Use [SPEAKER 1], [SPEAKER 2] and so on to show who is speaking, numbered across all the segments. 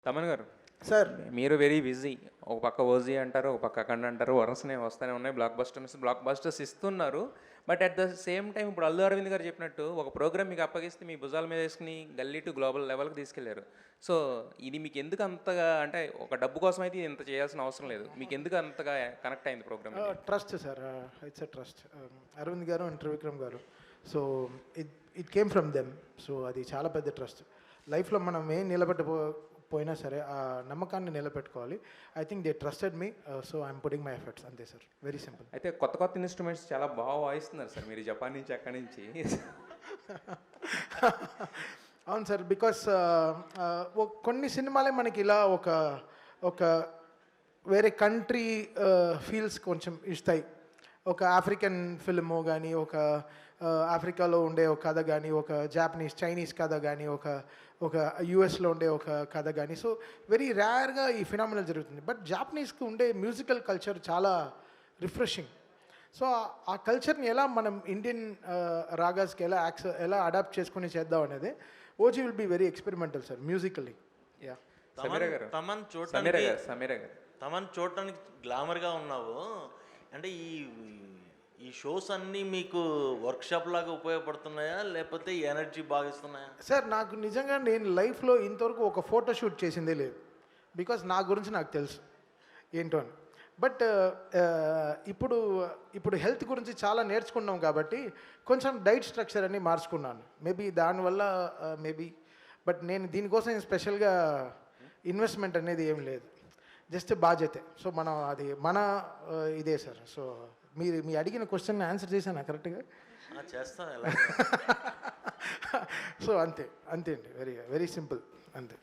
[SPEAKER 1] తమన్ గారు,
[SPEAKER 2] సార్
[SPEAKER 1] మీరు very busy. ఒక పక్క ఓజీ అంటారు, ఒక పక్క అఖండ అంటారు, వరుసనే వస్తూనే ఉన్నాయి. బ్లాక్ బస్టర్స్ ఇస్తున్నారు. But at the same time ఇప్పుడు అల్లు అరవింద్ గారు చెప్పినట్టు ఒక ప్రోగ్రామ్ మీకు అప్పగిస్తే మీ భుజాల మీద వేసుకుని గల్లీ టు గ్లోబల్ లెవెల్కి తీసుకెళ్లారు. సో ఇది మీకు ఎందుకు అంతగా, అంటే ఒక డబ్బు కోసం అయితే ఇంత చేయాల్సిన అవసరం లేదు, మీకు ఎందుకు అంతగా కనెక్ట్ అయింది programme?
[SPEAKER 2] Trust sir, it's a trust. Aravind garu and Trivikram garu, so it came from them. So అది చాలా పెద్ద ట్రస్ట్. లైఫ్లో మనం ఏం నిలబెట్టపోయినా సరే ఆ నమ్మకాన్ని నిలబెట్టుకోవాలి. I think they trusted me, so I'm putting my efforts, అంతే సార్, వెరీ సింపుల్.
[SPEAKER 1] అయితే కొత్త ఇన్స్ట్రుమెంట్స్ చాలా బాగా వాయిస్తున్నారు సార్ మీరు, జపాన్ నుంచి అక్కడి నుంచి.
[SPEAKER 2] అవును సార్, బికాస్ కొన్ని సినిమాలే మనకి ఇలా ఒక వేరే కంట్రీ ఫీల్స్ కొంచెం ఇస్తాయి. ఒక ఆఫ్రికన్ ఫిల్ము కానీ, ఒక ఆఫ్రికాలో ఉండే ఒక కథ కానీ, ఒక చైనీస్ కథ కానీ, ఒక యుఎస్లో ఉండే ఒక కథ కానీ. సో వెరీ రేర్గా ఈ ఫినామినల్ జరుగుతుంది. బట్ జాపనీస్కి ఉండే మ్యూజికల్ కల్చర్ చాలా రిఫ్రెషింగ్. సో ఆ కల్చర్ని ఎలా మనం ఇండియన్ రాగాస్కి ఎలా అడాప్ట్ చేసుకుని చేద్దాం అనేది OG will be very experimental sir, musically. Yeah.
[SPEAKER 3] Thaman చూడటానికి గ్లామర్గా ఉన్నావు. అంటే ఈ షోస్ అన్నీ మీకు వర్క్షాప్ లాగా ఉపయోగపడుతున్నాయా, లేకపోతే ఎనర్జీ బాగా ఇస్తున్నాయా?
[SPEAKER 2] సార్ నాకు నిజంగా నేను లైఫ్లో ఇంతవరకు ఒక ఫోటో షూట్ చేసిందే లేదు. బికాస్ నా గురించి నాకు తెలుసు ఏంటో అని. బట్ ఇప్పుడు హెల్త్ గురించి చాలా నేర్చుకున్నాం కాబట్టి కొంచెం డైట్ స్ట్రక్చర్ అన్ని మార్చుకున్నాను. మేబీ దానివల్ల బట్ నేను దీనికోసం స్పెషల్గా ఇన్వెస్ట్మెంట్ అనేది ఏం లేదు, జస్ట్ బాధ్యతే. సో మనం అది మన ఇదే సార్. సో మీ అడిగిన క్వశ్చన్ ఆన్సర్ చేశాను కరెక్ట్గా?
[SPEAKER 3] చేస్తాను.
[SPEAKER 2] సో అంతే అండి, వెరీ వెరీ సింపుల్, అంతే.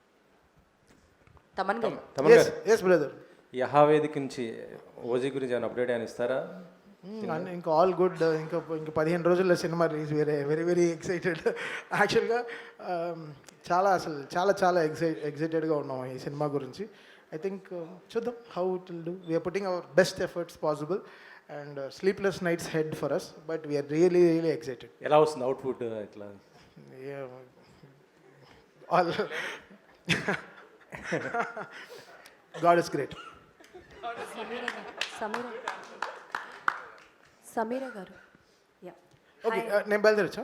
[SPEAKER 2] Yes brother.
[SPEAKER 1] యహావేదిక నుంచి ఓజీ గురించి ఏమైనా అప్డేట్ అని ఇస్తారా?
[SPEAKER 2] ఇంకా ఆల్ గుడ్. ఇంకా 15 రోజుల్లో సినిమా రిలీజ్. Very very excited. యాక్చువల్గా చాలా ఎక్సైటెడ్గా ఉన్నాం ఈ సినిమా గురించి. I think చూద్దాం how it will do. We are putting our best efforts possible and sleepless nights ahead for us, but we are really excited.
[SPEAKER 1] ఎలా వస్తుంది అవుట్పుట్ ఇట్లా?
[SPEAKER 2] All God is great.
[SPEAKER 4] Sameera గారు,
[SPEAKER 2] ఓకే, నేను బయలుదేరచ్చా?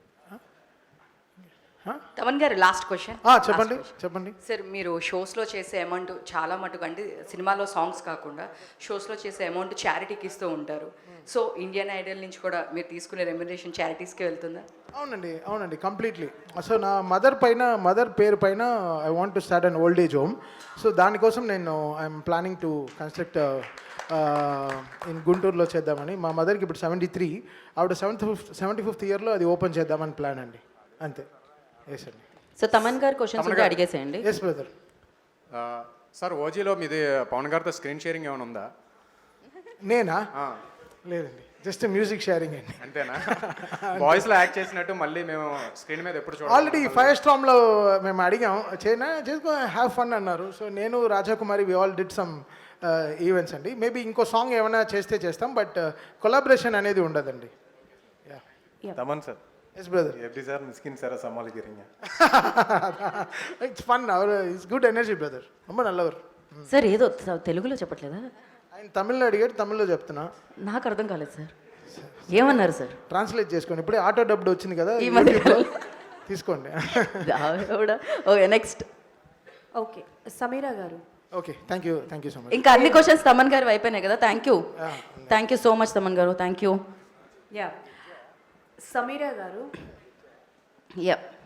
[SPEAKER 5] తమన్ గారు, last question.
[SPEAKER 2] చెప్పండి
[SPEAKER 5] sir, మీరు షోస్లో చేసే amount చాలా మటుకు, అంటే సినిమాలో సాంగ్స్ కాకుండా షోస్లో చేసే అమౌంట్ చారిటీకి ఇస్తూ ఉంటారు. సో ఇండియన్ ఐడల్ నుంచి కూడా మీరు తీసుకునే రెమ్యునరేషన్ చారిటీస్కి వెళ్తుందా?
[SPEAKER 2] అవునండి, కంప్లీట్లీ. సో నా మదర్ పేరు పైన I want to start an old age home. So దానికోసం నేను I'm planning to construct in గుంటూరులో చేద్దామని. మా మదర్కి ఇప్పుడు 73, ఆవిడ 75th ఇయర్లో అది ఓపెన్ చేద్దామని ప్లాన్ అండి, అంతే. ఎస్ అండి.
[SPEAKER 5] సో తమన్ గారు క్వశ్చన్స్ ఉంటే అడిగేసేయండి.
[SPEAKER 2] Yes brother.
[SPEAKER 6] సార్, ఓజీలో మీది పవన్ గారితో స్క్రీన్ షేరింగ్ ఏమైనా ఉందా?
[SPEAKER 2] నేనా? లేదండి, జస్ట్ మ్యూజిక్ షేరింగ్ అండి.
[SPEAKER 6] అంతేనా? వాయిస్లో యాక్ట్ చేసినట్టు మళ్ళీ మేము స్క్రీన్ మీద ఎప్పుడు చూడాలి?
[SPEAKER 2] ఆల్రెడీ ఫైర్ స్టామ్లో మేము అడిగాం, చేసుకో హ్యావ్ ఫన్ అన్నారు. సో నేను Rajakumari we all did some events అండి. మేబీ ఇంకో సాంగ్ ఏమైనా చేస్తాం, బట్ కొలాబరేషన్ అనేది ఉండదండి.
[SPEAKER 6] తమన్ సార్.
[SPEAKER 2] Yes brother.
[SPEAKER 6] எப்படி சார் மிஸ்கின் சாரை சமாளிக்கிறீங்க?
[SPEAKER 2] It's fun. It's good energy brother. ரொம்ப நல்லவர்.
[SPEAKER 5] సార్ ఏదో తెలుగులో చెప్పట్లేదా?
[SPEAKER 2] ఆయన తమిళ్లో అడిగాడు, తమిళ్లో చెప్తున్నా.
[SPEAKER 5] నాకు అర్థం కాలేదు సార్, ఏమన్నారు సార్?
[SPEAKER 2] ట్రాన్స్లేట్ చేసుకోండి. ఇప్పుడే ఆటో డబ్డ్ వచ్చింది కదా,
[SPEAKER 5] ఈ మధ్య
[SPEAKER 2] తీసుకోండి.
[SPEAKER 5] Okay, next.
[SPEAKER 4] ఓకే సమీర గారు.
[SPEAKER 2] Okay, thank you so much.
[SPEAKER 5] ఇంకా అన్ని క్వశ్చన్స్ తమన్ గారు అయిపోయినాయి కదా. Thank you so much Thaman గారు, థ్యాంక్ యూ.
[SPEAKER 4] సమీర గారు,